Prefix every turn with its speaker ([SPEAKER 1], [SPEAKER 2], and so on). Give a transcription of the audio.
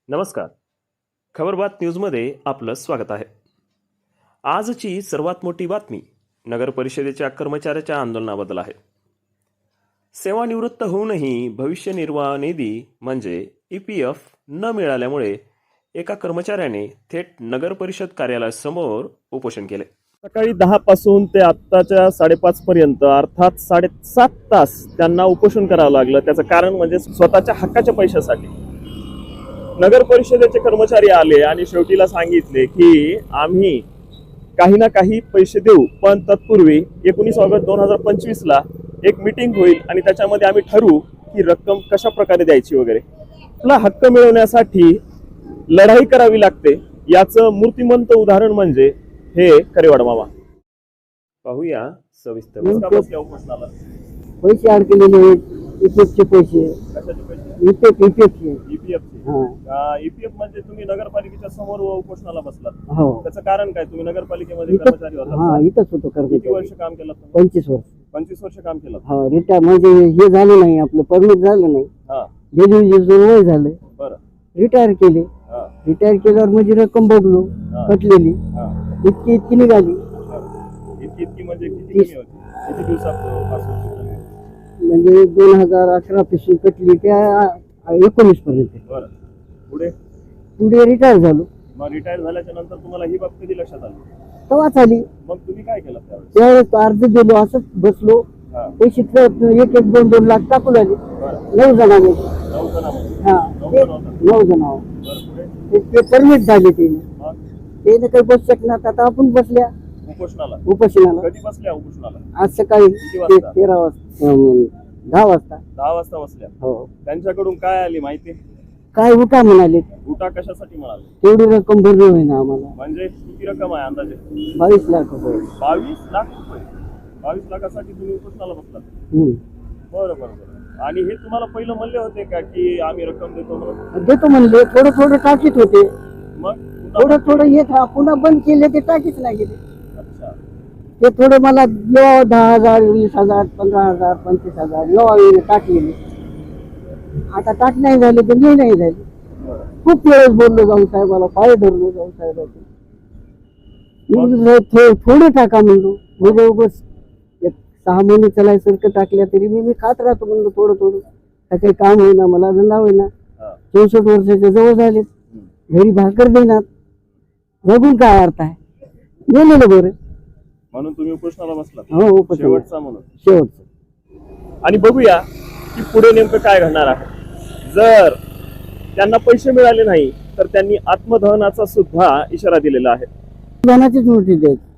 [SPEAKER 1] नमस्कार. खबरबात न्यूजमध्ये आपलं स्वागत आहे. आजची सर्वात मोठी बातमी नगर परिषदेच्या कर्मचाऱ्याच्या आंदोलनाबद्दल आहे. सेवानिवृत्त होऊनही भविष्य निर्वाह निधी म्हणजे EPF न मिळाल्यामुळे एका कर्मचाऱ्याने थेट नगर परिषद कार्यालयासमोर उपोषण केले. सकाळी 10 पासून ते आत्ताच्या 5:30 पर्यंत अर्थात 7.5 तास त्यांना उपोषण करावं लागलं. त्याचं कारण म्हणजे स्वतःच्या हक्काच्या पैशासाठी. नगर परिषदेचे कर्मचारी आले आणि शेवटीला सांगितले की आम्ही काही ना काही पैसे देऊ, पण तत्पूर्वी 19 ऑगस्ट 2025 ला एक मीटिंग होईल आणि त्याच्यामध्ये आम्ही ठरवू की रक्कम कशा प्रकारे द्यायची वगैरे. आपला हक्क मिळवण्यासाठी लढाई करावी लागते. याचं मूर्तिमंत उदाहरण म्हणजे हे करेवाड मामा. पाहूया सविस्तर. उपोषणाला
[SPEAKER 2] पैसे अडकलेले आहेत, EPFचे पैसे.
[SPEAKER 1] कशाचे पैसे?
[SPEAKER 2] EPFचे.
[SPEAKER 1] EPF म्हणजे तुम्ही नगरपालिकेच्या समोर उपोषणाला बसलात.
[SPEAKER 2] हो.
[SPEAKER 1] त्याचं कारण काय? तुम्ही नगरपालिकेमध्ये कर्मचारी होता.
[SPEAKER 2] हा, इथंच होतो
[SPEAKER 1] किती
[SPEAKER 2] कर्मचारी.
[SPEAKER 1] वर्ष काम केलं?
[SPEAKER 2] 25 वर्ष.
[SPEAKER 1] 25 वर्ष काम केलं.
[SPEAKER 2] हा, रिटायर म्हणजे हे झालं नाही, आपलं परमिट झालं नाही,
[SPEAKER 1] हा,
[SPEAKER 2] डिलिव्हरीचं वय झालं,
[SPEAKER 1] बरं.
[SPEAKER 2] रिटायर केले.
[SPEAKER 1] हा,
[SPEAKER 2] रिटायर केल्यावर म्हणजे रक्कम बघलो
[SPEAKER 1] हा.
[SPEAKER 2] कटलेली
[SPEAKER 1] हा.
[SPEAKER 2] इतकी निघाली.
[SPEAKER 1] इतकी म्हणजे किती कमी होती? किती दिवसापासून?
[SPEAKER 2] म्हणजे 2018 पासून कटली त्या 19 पर्यंत.
[SPEAKER 1] बरं. पुढे
[SPEAKER 2] पुढे रिटायर झालो.
[SPEAKER 1] मग रिटायर झाल्याच्या नंतर तुम्हाला ही बाब कधी लक्षात आली?
[SPEAKER 2] तेव्हाच आली.
[SPEAKER 1] मग तुम्ही काय केलं त्यावेळेस?
[SPEAKER 2] त्यावेळेस अर्ज दिलो, असंच बसलो.
[SPEAKER 1] हा,
[SPEAKER 2] पैसे 1-2 लाख टाकून आले.
[SPEAKER 1] बरं.
[SPEAKER 2] 9 जणांमध्ये.
[SPEAKER 1] 9 जणांमध्ये.
[SPEAKER 2] हा,
[SPEAKER 1] 9 जण होता.
[SPEAKER 2] 9 जणांवर.
[SPEAKER 1] बरं. पुढे
[SPEAKER 2] ते परमिट झाले त्याने.
[SPEAKER 1] मग
[SPEAKER 2] काही बस शकणार. आता आपण बसल्या
[SPEAKER 1] उपोषणाला
[SPEAKER 2] उपोषणाला
[SPEAKER 1] कधी बसल्या? उपोषणाला
[SPEAKER 2] आज सकाळी
[SPEAKER 1] किती वाजता?
[SPEAKER 2] 13 वाजता 10 वाजता.
[SPEAKER 1] 10 वाजता बसल्या.
[SPEAKER 2] हो.
[SPEAKER 1] त्यांच्याकडून काय आली माहिती?
[SPEAKER 2] काय उठा म्हणाले,
[SPEAKER 1] उठा कशासाठी म्हणाले?
[SPEAKER 2] तेवढी रक्कम भरली होईना आम्हाला.
[SPEAKER 1] म्हणजे किती रक्कम आहे अंदाजे?
[SPEAKER 2] 22 लाख रुपये.
[SPEAKER 1] 22 लाख रुपये. 22 लाखासाठी तुम्ही उपोषणाला बसलात?
[SPEAKER 2] हम्म.
[SPEAKER 1] बरं बरं बरं. आणि हे तुम्हाला पहिलं म्हणले होते का की आम्ही रक्कम देतो म्हणून?
[SPEAKER 2] देतो म्हणले. थोडं टाकीत होते.
[SPEAKER 1] मग पुन्हा
[SPEAKER 2] थोडं येत पुन्हा बंद केले, ते टाकीच नाही गेले.
[SPEAKER 1] अच्छा.
[SPEAKER 2] ते थोडं मला येवा 10,000, 20,000, 15,000, 25,000 येवा वेळेला टाकलेले. आता टाक नाही झाले तर नाही झाले.
[SPEAKER 1] बरं.
[SPEAKER 2] खूप वेळेस बोललो जाऊन साहेबाला, पाय धरलो जाऊन साहेबाचे. थोडे टाका म्हणलो. म्हणजे उगाच 6 महिने चलायसारखं टाकल्या तरी मी खात राहतो म्हणलो थोडं. काही काम होईना, मला धंदा होईना.
[SPEAKER 1] हा.
[SPEAKER 2] 64 वर्षाच्या जवळ झाले. घरी भाकर देणार, जगून काय अर्थ आहे? गेलेलं बरं.
[SPEAKER 1] म्हणून तुम्ही उपोषणाला बसलात?
[SPEAKER 2] हो, उपोषण.
[SPEAKER 1] शेवटचा म्हणून.
[SPEAKER 2] शेवटचं.
[SPEAKER 1] आणि बघूया की पुढे नेमकं काय घडणार आहे. जर त्यांना पैसे मिळाले नाही तर त्यांनी आत्मदहनाचा सुद्धा इशारा दिलेला आहे.
[SPEAKER 2] धनाचीच नोटीस द्यायची.